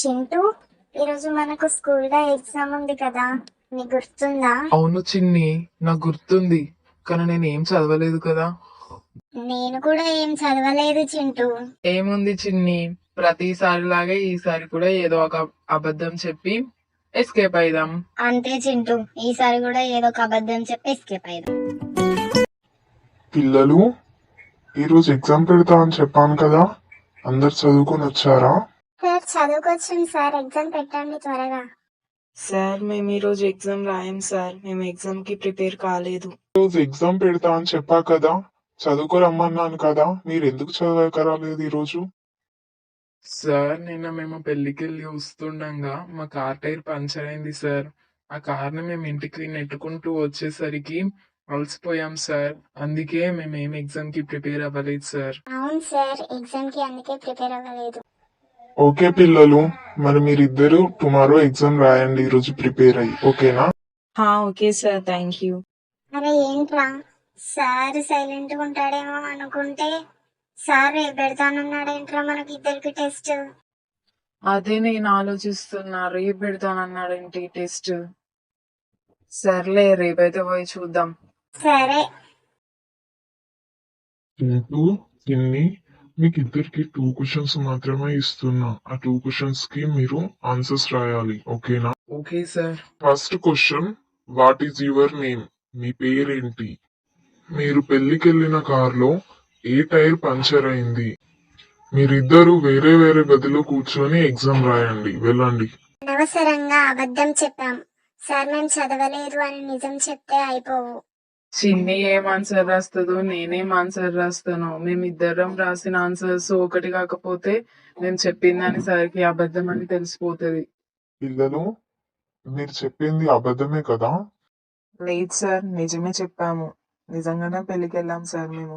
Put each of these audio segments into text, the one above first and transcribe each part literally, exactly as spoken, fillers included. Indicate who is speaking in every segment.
Speaker 1: చింటూ, ఈరోజు మనకు స్కూల్లో ఎగ్జామ్ ఉంది కదా, నీకు గుర్తుందా?
Speaker 2: అవును చిన్ని, నాకు గుర్తుంది. కానీ నేను ఏం చదవలేదు కదా.
Speaker 1: నేను కూడా ఏం చదవలేదు చింటూ.
Speaker 2: ఏముంది చిన్ని, ప్రతిసారి లాగే ఈసారి కూడా ఏదో ఒక అబద్ధం చెప్పి ఎస్కేప్ అయిదాం.
Speaker 1: అంతే చింటూ, ఈసారి కూడా ఏదో ఒక అబద్ధం చెప్పి ఎస్కేప్ అయ్యాం.
Speaker 3: పిల్లలు, ఈరోజు ఎగ్జామ్ పెడతా అని చెప్పాను కదా, అందరు చదువుకొని వచ్చారా?
Speaker 1: సార్ చదువుకొచ్చాం సార్, ఎగ్జామ్ పెట్టండి త్వరగా.
Speaker 2: సార్ మేము ఈ రోజు ఎగ్జామ్ రాయం సార్, మేము ఎగ్జామ్ కి ప్రిపేర్ కాలేదు.
Speaker 3: ఈరోజు ఎగ్జామ్ పెడతా అని చెప్పా కదా, చదువుకో రమ్మన్నాను కదా, మీరు ఎందుకు చదవకరాలేదు ఈరోజు?
Speaker 2: సార్ నిన్న మేము పెళ్లికి వెళ్ళి వస్తుండగా మా కార్ టైర్ పంచర్ అయింది సార్. ఆ కార్ ని మేము ఇంటికి నెట్టుకుంటూ వచ్చేసరికి అలసిపోయాం సార్. అందుకే మేము ఏం ఎగ్జామ్ కి ప్రిపేర్ అవ్వలేదు సార్.
Speaker 1: అవును సార్, ఎగ్జామ్ కి అందుకే ప్రిపేర్ అవ్వలేదు.
Speaker 3: ఓకే పిల్లలు, మరి మీరిద్దరు టుమారో ఎగ్జామ్ రాయండి ఈరోజు ప్రిపేర్ అయ్యి, ఓకేనా?
Speaker 2: Okay sir, thank you.
Speaker 1: అరే ఏంట్రా, సార్ సైలెంట్ గా ఉంటాడేమో అనుకుంటే సార్ రేపు పెడతానన్నాడేంట్రా మనకి ఇద్దరికి టెస్ట్.
Speaker 2: అదే నేను ఆలోచిస్తున్నా, రేపు పెడతానన్నాడేంటి టెస్ట్. సర్లే, రేపైతే పోయి చూద్దాం.
Speaker 1: సరే.
Speaker 3: చింటూ, చిన్ని, మీకు ఇద్దరికి టూ క్వశ్చన్స్ మాత్రమే ఇస్తున్నా. ఆ టూ క్వశ్చన్స్ కి మీరు ఆన్సర్స్ రాయాలి, ఓకేనా?
Speaker 2: Okay sir.
Speaker 3: First question, what is your name? మీ పేరేంటి? మీరు పెళ్లికెళ్లిన కార్లో ఏ టైర్ పంచర్ అయింది? మీరిద్దరు వేరే వేరే గదిలో కూర్చొని ఎగ్జామ్ రాయండి, వెళ్ళండి.
Speaker 1: అనవసరంగా అబద్ధం చెప్పాం సార్, మేము చదవలేదు అని నిజం చెప్తే అయిపోవు.
Speaker 2: చిన్ని ఏం ఆన్సర్ రాస్తుందో నేనేం ఆన్సర్ రాస్తాను. మేమిద్దరం రాసిన ఆన్సర్స్ ఒకటి కాకపోతే మేము చెప్పిందని సరికి అబద్ధం అని తెలిసిపోతుంది.
Speaker 3: పిల్లలు, మీరు చెప్పింది అబద్ధమే కదా?
Speaker 2: లేదు సార్, నిజమే చెప్పాము. నిజంగానే పెళ్లికి వెళ్ళాం సార్ మేము.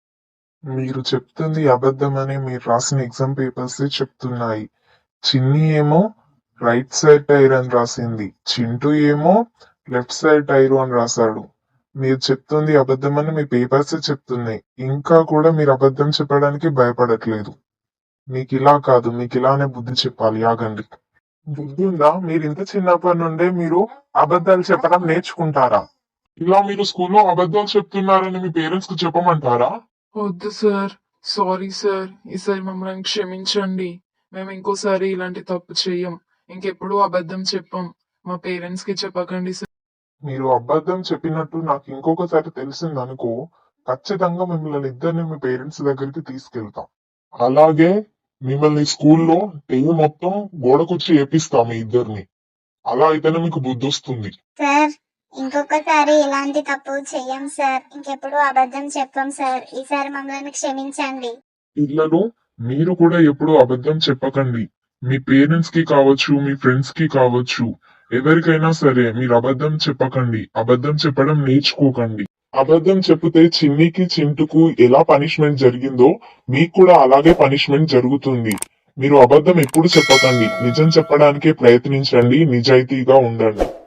Speaker 3: మీరు చెప్తుంది అబద్ధమని మీరు రాసిన ఎగ్జామ్ పేపర్స్ చెప్తున్నాయి. చిన్ని ఏమో రైట్ సైడ్ టైర్ అని రాసింది, చింటూ ఏమో లెఫ్ట్ సైడ్ టైర్ అని రాశాడు. మీరు చెప్తుంది అబద్ధమని మీ పేపర్స్ చెప్తున్నాయి. ఇంకా కూడా మీరు అబద్ధం చెప్పడానికి భయపడట్లేదు. మీకు ఇలా కాదు, మీకు ఇలానే బుద్ధి చెప్పాలి. ఆగండి. బుద్ధి ఉందా? మీరు ఇంత చిన్నప్పటి నుండే మీరు అబద్ధాలు చెప్పడం నేర్చుకుంటారా? ఇలా మీరు స్కూల్లో అబద్ధాలు చెప్తున్నారని మీ పేరెంట్స్ కు చెప్పమంటారా?
Speaker 2: వద్దు సార్, సారీ సార్, ఈసారి మమ్మల్ని క్షమించండి. మేము ఇంకోసారి ఇలాంటి తప్పు చెయ్యం, ఇంకెప్పుడు అబద్ధం చెప్పం. మా పేరెంట్స్ కి చెప్పకండి సార్.
Speaker 3: మీరు అబద్ధం చెప్పినట్టు నాకు ఇంకొకసారి తెలిసిందనుకో, ఖచ్చితంగా మిమ్మల్ని ఇద్దరిని మీ పేరెంట్స్ దగ్గరికి తీసుకెళ్తాం. అలాగే మిమ్మల్ని స్కూల్లో డే మొత్తం గోడకొచ్చి ఏపిస్తాం మీ ఇద్దరిని. అలా అయితేనే మీకు బుద్ధి వస్తుంది.
Speaker 1: సార్ ఇంకొకసారి ఇలాంటి తప్పు చెయ్యం సార్, ఇంకెప్పుడు అబద్ధం చెప్పం సార్, ఈసారి మమ్మల్ని క్షమించండి.
Speaker 3: పిల్లలు, మీరు కూడా ఎప్పుడు అబద్ధం చెప్పకండి. మీ పేరెంట్స్ కి కావచ్చు, మీ ఫ్రెండ్స్ కి కావచ్చు, ఎవరికైనా సరే మీరు అబద్ధం చెప్పకండి. అబద్ధం చెప్పడం నేర్చుకోకండి. అబద్ధం చెప్తే చిన్నికి చింటుకు ఎలా పనిష్మెంట్ జరిగిందో మీకు కూడా అలాగే పనిష్మెంట్ జరుగుతుంది. మీరు అబద్ధం ఎప్పుడు చెప్పకండి, నిజం చెప్పడానికే ప్రయత్నించండి, నిజాయితీగా ఉండండి.